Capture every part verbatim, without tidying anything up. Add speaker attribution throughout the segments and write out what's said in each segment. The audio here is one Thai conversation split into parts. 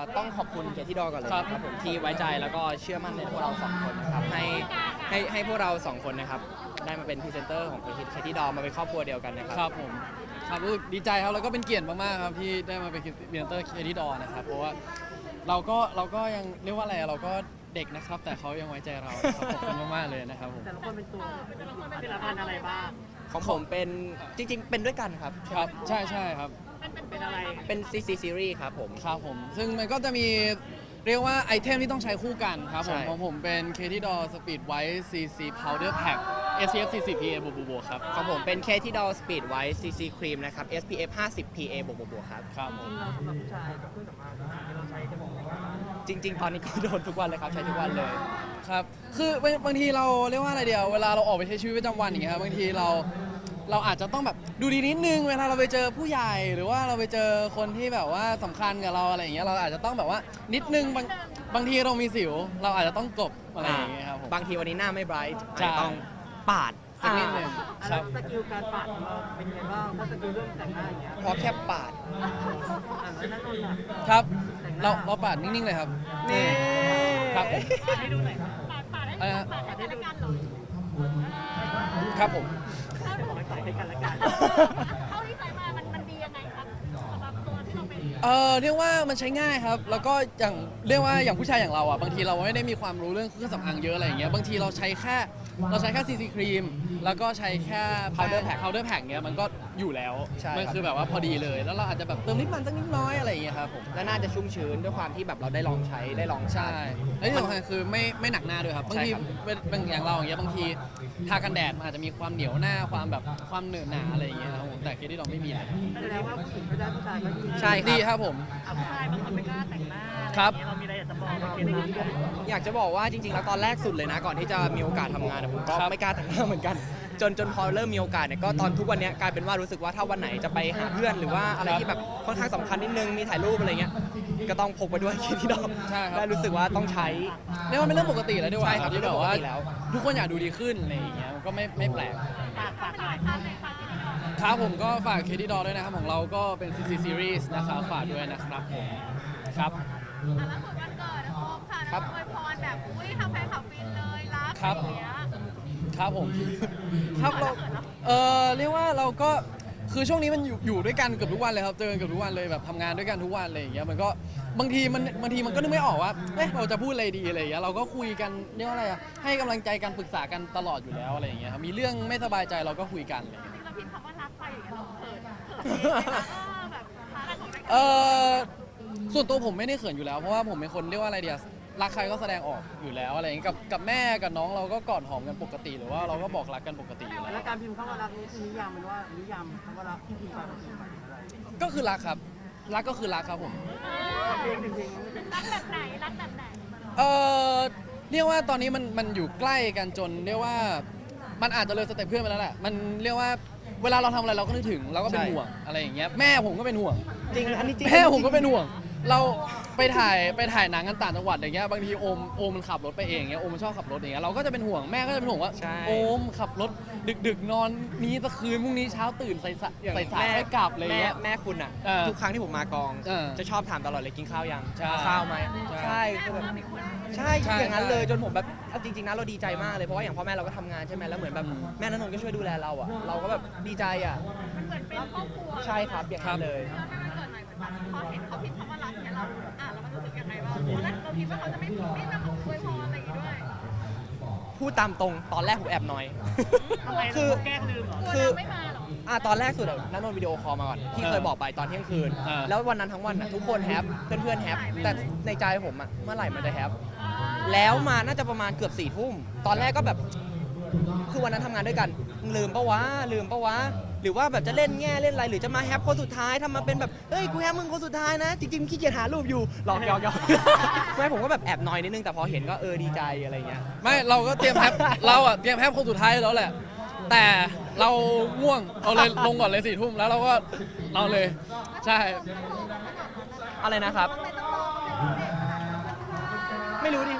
Speaker 1: ต้องขอบคุณเคที่ดอก่อนเลยนะครับผมที่ไว้ใจแล้วก็เชื่อมั่นในพวกเราสองคนนะครับให้ให้ให้พวกเราสองคนนะครับได้มาเป็นพรีเซนเตอร์ของเคที่ดอมาเป็นครอบครัวเดียวกันนะครับ
Speaker 2: ครับผมครับรู้สึกดีใจครับแล้วก็เป็นเกียรติมากๆครับที่ได้มาเป็นพรีเซนเตอร์เคที่ดอนะครับเพราะว่าเราก็เราก็ยังเรียกว่าอะไรเราก็เด็กนะครับแต่เขายังไว้ใจเราครับขอบคุณมากๆเลยนะครับผม
Speaker 3: แต่ละคนเป็นตัวเป็นละพันอะไรบ้าง
Speaker 1: ของผมเป็นจริงๆเป็นด้วยกันครับ
Speaker 2: ครับใช่ใช่ครับ
Speaker 3: เป็นอะไร
Speaker 1: เป็น ซี ซี Series ครับผม
Speaker 2: ครับผมซึ่งมันก็จะมีเรียกว่าไอเทมที่ต้องใช้คู่กันครับผมของผมเป็น เค ที ดอ Speed White ซี ซี Powder Pack เอ เอส พี เอฟ สี่สิบ พี เอ บวกบวกครับ
Speaker 1: ของผมเป็น เค ที ดอ Speed White ซี ซี Cream นะครับ เอส พี เอฟ ห้าสิบ พี เอ บวกบวกครับ
Speaker 2: ครับ
Speaker 3: จริงๆเราสำหรับผู้ชายกับเครื่องสำอางที่เราใช้กันบ่อย
Speaker 1: จริงๆตอนนี้ก็โดนทุกวันเลยครับใช้ทุกวันเลย
Speaker 2: ครับคือบางบางทีเราเรียกว่าอะไรเดียวเวลาเราออกไปใช้ชีวิตประจำวันอย่างเงี้ยครับบางทีเราเราอาจจะต้องแบบดูดีนิดนึงเวลาเราไปเจอผู้ใหญ่หรือว่าเราไปเจอคนที่แบบว่าสำคัญกับเราอะไรอย่างเงี้ยเราอาจจะต้องแบบว่านิดนึงบางบางทีเรามีสิวเราอาจจะต้องกลบอะไรอย่างเงี้ยครับผม
Speaker 1: บางทีวันนี้หน้าไม่ไบรท์
Speaker 2: จะ
Speaker 1: ต้องปาด
Speaker 2: สักนิดนึง
Speaker 3: ครับสกิลการปาดของเราเป็นยังไงบ้างเพราะสกิลเรื่องแต่งหน้าอย่างเงี้ย
Speaker 1: เพราะแค่ปาด
Speaker 3: อ่านแล้วนั่นนนท์
Speaker 2: ครับเราเราปาดนิ่งๆเลยครับ
Speaker 1: นี่
Speaker 2: ครับผม
Speaker 3: ให้ดูหน่อยปาดปาดให้ปาดให้ดูกันหรอ
Speaker 2: ครับผม
Speaker 3: บอกให้ปาดให้กันละกัน
Speaker 4: เท่าที่ใช้มามันมันดียังไงครับสำหรับตัวที่เราเป็น
Speaker 2: เออเรียกว่ามันใช้ง่ายครับแล้วก็อย่างเรียกว่าอย่างผู้ชายอย่างเราอ่ะบางทีเราไม่ได้มีความรู้เรื่องเครื่องสำอางเยอะอะไรอย่างเงี้ยบางทีเราใช้แค่เราใช้แค่ ซี ซี ครีมแล้วก็ใช้แค่ powder pack powder pack เงี้ยมันก็อยู่แล้วมันคือแบบว่าพอดีเลยแล้วเราอาจจะแบบเติมนิดมันสักนิดน้อยอะไรอย่างเงี้ยครับผม
Speaker 1: และน่าจะชุ่มชื้นด้วยความที่แบบเราได้ลองใช้ได้ลอง
Speaker 2: ใช่และที่สำคัญคือไม่ไม่หนักหน้าด้วยครับบางทีบางอย่างเราอย่างเงี้ยบางทีทากันแดดมันอาจจะมีความเหนียวหน้าความแบบความเหนอะหนาอะไรอย่างเงี้ยครับผมแต่เคที่เราไม่มีเลย
Speaker 3: แสดงว่าผู้หญิงก็ได้ผู้ชายก็ดี
Speaker 2: ใช่ดีครับผม
Speaker 3: ผู้ชายบางคนไม่กล้าแต่งหน้า
Speaker 2: ครับ
Speaker 3: เรามีอะไรอยากจะบอกว่าเคที่ดี
Speaker 1: อยากจะบอกว่าจริงๆแล้วตอนแรกสุดเลยนะก่อนที่จะมีโอกาสทำงานผมก็ไม่กล้าแต่งหน้าเหมือนกันจนจนพอเริ่มมีโอกาสเนี่ยก็ตอนทุกวันนี้กลายเป็นว่ารู้สึกว่าถ้าวันไหนจะไปหาเพื่อนหรือว่าอะไรที่แบบค่อนข้างสำคัญนิดนึงมีถ่ายรูปอะไรเงี้ยก็ต้องพกไปด้วยเคที่ดอกได้รู้สึกว่าต้องใช้
Speaker 2: เรียกว่าเป็นเรื่องปกติแล้วด้วยว่า
Speaker 1: ที่แบบว่า
Speaker 2: ทุกคนอยากดูดีขึ้นอะไรอย่างเงี้ยก็ไม่ไม่แปลก
Speaker 3: ฝากฝากหน่อย
Speaker 2: ครับผมก็ฝากเคที่ดอด้วยนะครับของเราก็เป็น ซี ซี Series นะครับฝากด้วยนะครับผมครับ
Speaker 4: แล้วส่วนวันเกิดนะโอมค่ะนะอวยพรแบบอุ้ยทำแฟนคลับฟินเลยรักอย่างเงี้ย
Speaker 2: ครับผมครับเราเออเรียกว่าเราก็คือช่วงนี้มันอยู่อยู่ด้วยกันเกือบทุกวันเลยครับเจอกันเกือบทุกวันเลยแบบทำงานด้วยกันทุกวันอะไรอย่างเงี้ยมันก็บางทีมันบางทีมันก็นึกไม่ออกว่าเอ๊ะเราจะพูดอะไรดีอะไรอย่างเงี้ยเราก็คุยกันเรียกว่าอะไรอะให้กำลังใจกันปรึกษากันตลอดอยู่แล้วอะไรอย่างเงี้ยครับมีเรื่องไม่สบายใจเราก็คุยกันอะไรอย่างเงี้ย
Speaker 4: เราพิมพ์คำว่ารักไปอย่างเงี้ยเราเขินเขินแบบ
Speaker 2: เออส่วนตัวผมไม่ได้เขินอยู่แล้วเพราะว่าผมเป็นคนเรียกว่าอะไรเดียรักใครก็แสดงออกอยู่แล้วอะไรอย่างนี้กับกับแม่กับน้องเราก็กอดหอมกันปกติหรือว่าเราก็บอกรักกันปกติอยู่แล้ว
Speaker 3: แล้วการพิมพ์คำว่ารักนี้นิยามมันว่านิยามคำว่ารักที่พิมพ์ไปมันคืออะไร
Speaker 2: ก็คือรักครับรักก็คือรักครับผม
Speaker 4: รักแบบไหนรักแบบไหน
Speaker 2: เออเรียกว่าตอนนี้มันมันอยู่ใกล้กันจนเรียกว่ามันอาจจะเลยสเต็ปเพื่อนไปแล้วแหละมันเรียกว่าเวลาเราทำอะไรเราก็นึกถึงเราก็เป็นห่วงอะไรอย่างเงี้ยแม่ผมก็เป็นห่วง
Speaker 1: จริงอันนี้จริง
Speaker 2: แม่ผมก็เป็นห่วงเราไปถ่ายไปถ่ายหนังกันต่างจังหวัดอย่างเงี้ยบางทีโอมโอมมันขับรถไปเองเงี้ยโอมมันชอบขับรถอย่างเงี้ยเราก็จะเป็นห่วงแม่ก็จะเป็นห่วงว่าโอมขับรถดึกๆนอนนี้ตะคืนพรุ่งนี้เช้าตื่นใส่ใส่สายให้กลับเลยเงี้ย
Speaker 1: แม่คุณอ่ะทุกครั้งที่ผมมากองจะชอบถามตลอดเลยกินข้าวยังข้าวไหมใช่คือแบบใช่อย่างนั้นเลยจนผมแบบจริงๆนะเราดีใจมากเลยเพราะว่าอย่างพ่อแม่เราก็ทำงานใช่ไหมแล้วเหมือนแบบแม่ณนนท์ก็ช่วยดูแลเราอ่ะเราก็แบบดีใจอ่ะ
Speaker 4: มันเหมือนเป็นครอบครัว
Speaker 1: ใช่ครับอย่างนั้นเลย
Speaker 4: พอเห็นเขาพิมพ์คำว่ารักเนี่ยเราอ่านแล้วมันรู้สึกยังไงบ้างแล้วเราคิดว่าเขาจะไม่ไม่นำมาอวยพรอะไรอย่างงี้ด้วย
Speaker 1: พูดตามตรงตอนแรกผมแอบน้อย
Speaker 3: คือแกล้งลืมเหรอ
Speaker 4: คือไม่มาหรอ
Speaker 1: อ่าตอนแรกสุดนันนนวิดีโอคอลมาก่อนที่เคยบอกไปตอนเที่ยงคืนแล้ววันนั้นทั้งวันอ่ะทุกคนแฮปเพื่อนๆแฮปแต่ในใจผมอ่ะเมื่อไหร่มันจะแฮปแล้วมาน่าจะประมาณเกือบสี่ทุ่มตอนแรกก็แบบคือวันนั้นทำงานด้วยกันลืมปะวะลืมปะวะหรือว่าแบบจะเล่นแง่เล่นอะไรหรือจะมาแฮปคนสุดท้ายทำมาเป็นแบบเฮ้ยกูแฮปมึงคนสุดท้ายนะจริงๆขี้เกียจหารูปอยู่หลอกหยอกหยอกไม่ผมก็แบบแอบน้อยนิดนึงแต่พอเห็นก็เออดีใจอะไรเงี้ย
Speaker 2: ไม่เราก็เตรียมแฮปเราอ่ะเตรียมแฮปคนสุดท้ายแล้วแหละแต่เราง่วงเราเลยลงก่อนเลยสี่ทุ่มแล้วเราก็เราเลยใช่
Speaker 1: อะไรนะครับไม่รู้ดิมัน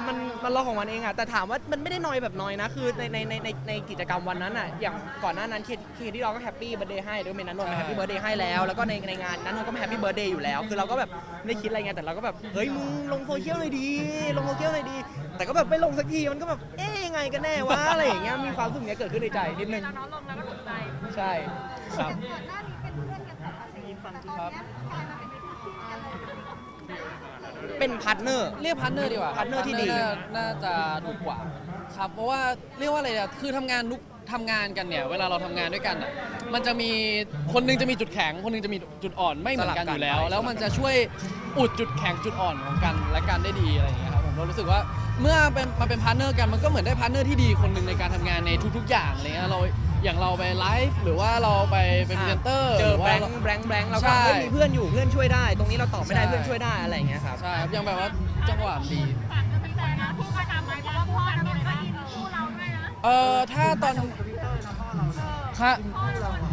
Speaker 1: มันรอของมันเองอะแต่ถามว่ามันไม่ได้นอยแบบนอยนะคือในในในในในกิจกรรมวันนั้นอะอย่างก่อนหน้านั้นเคเคที่เราก็แฮปปี้เบิร์ดเดย์ให้ด้วยเมนนันนนท์มาแฮปปี้เบิร์ดเดย์ให้แล้วแล้วก็ในในงานนั้นนนท์ก็มาแฮปปี้เบิร์ดเดย์อยู่แล้วคือเราก็แบบไม่ได้คิดอะไรไงแต่เราก็แบบเฮ้ยมึงลงโซเชียลเลยดีลงโซเชียลเลยดี แต่ก็แบบไม่ลงสักทีมันก็แบบเอ๊ยยังไงกันแน่วะอะไรอย่างเงี้ยมีความรู้สึกเนี้ยเกิดขึ้นในใจนิดนึง
Speaker 4: แล้วน้องลงแล้วก็ถูกใจ
Speaker 1: ใช่ครับ
Speaker 4: ก่อนหน้านี้เป็นเพื่อนกันปกติแต่ตอนเนี้ยกลายมาเป็นคู่จิ้นกันเลย
Speaker 1: เป็นพาร์ทเนอร์
Speaker 2: เรียกพาร์ทเนอร์ดีกว่า
Speaker 1: พาร์ทเนอร์ที่ดี
Speaker 2: น่าน่าจะถูกกว่าครับเพราะว่าเรียกว่าอะไรอะคือทำงานทุกทำงานกันเนี่ยเวลาเราทำงานด้วยกันอะมันจะมีคนหนึงจะมีจุดแข็งคนหนึงจะมีจุดอ่อนไม่เหมือนกันอยู่แล้ว แล้วมันจะช่วยอุดจุดแข็งจุดอ่อนของกันและกันได้ดีอะไรอย่างเงี้ยครับผมเรารู้สึกว่าเมื่อเป็นมาเป็นพาร์ทเนอร์กันมันก็เหมือนได้พาร์ทเนอร์ที่ดีคนหนึ่งในการทำงานในทุกๆอย่างอะไรเงี้ยเราอย่างเราไปไลฟ์หรือว่าเราไปเป็นพรีเซนเตอร์
Speaker 1: เจ
Speaker 2: ห
Speaker 1: อ
Speaker 2: รือ
Speaker 1: แบ
Speaker 2: ว่า
Speaker 1: งค์แบงค์แบงค์เรา
Speaker 2: ใช่
Speaker 1: ก็เฮ้ยมีเพื่อนอยู่เพื่อนช่วยได้ ตรงนี้เราตอบไม่ได้
Speaker 2: ใช่
Speaker 1: เพื่อนช่วยได้อะไรอย่างเงี้ยครับ
Speaker 2: ใช่ครับยังแบบว่าจังหวะมันดี
Speaker 4: ฝากเป็นแฟนนะคู่ประจำไหมเพราะว่าพ่อจะต้องก็อินคู่เราด้วยนะ
Speaker 2: เออถ้าตอน
Speaker 3: ทวิตเตอร์นะพ่อเราเนี่ย
Speaker 2: ครับ
Speaker 4: พ่อเราทวิตเตอร์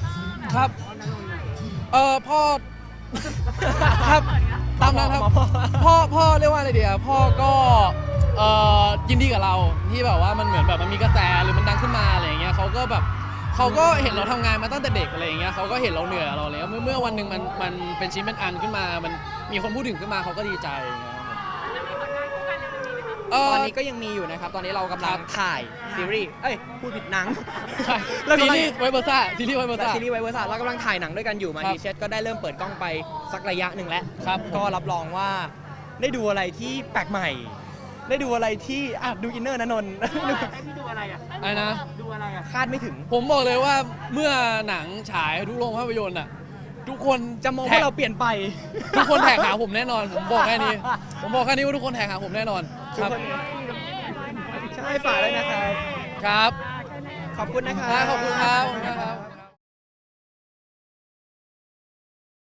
Speaker 2: ครับ
Speaker 3: พ่อนันนนท์เนี่ย
Speaker 2: เออพ่อ ครับตามนั้นครับพ่อพ่อเรียกว่าอะไรดีอะพ่อก็เออยินดีกับเราที่แบบว่ามันเหมือนแบบมันมีกระแสหรือมันดังขึ้นมาอะไรอย่างเงี้ยเขาก็แบบเขาก็เห็นเราทำงานมาตั้งแต่เด็กอะไรอย่างเงี้ยเขาก็เห็นเราเหนื่อยเราเลยเมื่อเมื่อวันหนึ่งมันมันเป็นชิ้นเป็นอันขึ้นมา มันมีคนพูดถึงขึ้นมาเขาก็ดีใจอย่างเงี้ยครับผม
Speaker 4: แล้วมีผลงานคู่กันในวันนี้ไหมคะ
Speaker 2: เอ
Speaker 1: ต
Speaker 2: อ
Speaker 1: อนนี้ก็ยังมีอยู่นะครับ ตอนนี้เรากำลั
Speaker 2: ครั
Speaker 1: ง
Speaker 2: บ
Speaker 1: ถ่ายซีรีส์ เอ้ย พูดผิดหนัง
Speaker 2: ใช่
Speaker 1: เรา
Speaker 2: ซี
Speaker 1: กำลัง
Speaker 2: รีส์ไวเบอร์ซ่าซีรีส์ไวเบอร์ซ่า
Speaker 1: ซีรีส์ไวเวอร์ซ่าเรากำลังถ่ายหนังด้วยกันอยู่มา
Speaker 2: ครับ
Speaker 1: ดีเชก็ได้เริ่มเปิดกล้องไปสักระยะหนึ่งแล้ว
Speaker 2: ครับ
Speaker 1: ก็รับรองว่าได้ดูอะไรที่แปลกใหม่ ได้ดูอะไรที่อ่ะดูอินเนอร์นะนนท์
Speaker 3: ให้พี่ดูอะไรอ่ะ
Speaker 2: อะไรนะ
Speaker 3: ดูอะไรอ่ะ
Speaker 1: คาดไม่ถึง
Speaker 2: ผมบอกเลยว่าเมื่อหนังฉายทุกโรงภาพยนตร์อ่ะทุกคน
Speaker 1: จะมอง
Speaker 2: แท็
Speaker 1: ว่าก เราเปลี่ยนไป
Speaker 2: ทุกคนแท็กหาผมแน่นอน ผมบอกแค่นี้ ผมบอกแค่นี้ว่าทุกคนแท็กหาผมแน่นอนครับ
Speaker 1: ใช่ฝากด้วยนะครับ
Speaker 2: ครับ
Speaker 1: ขอบคุณนะครับ
Speaker 2: ขอบคุณครับขอบคุณครับ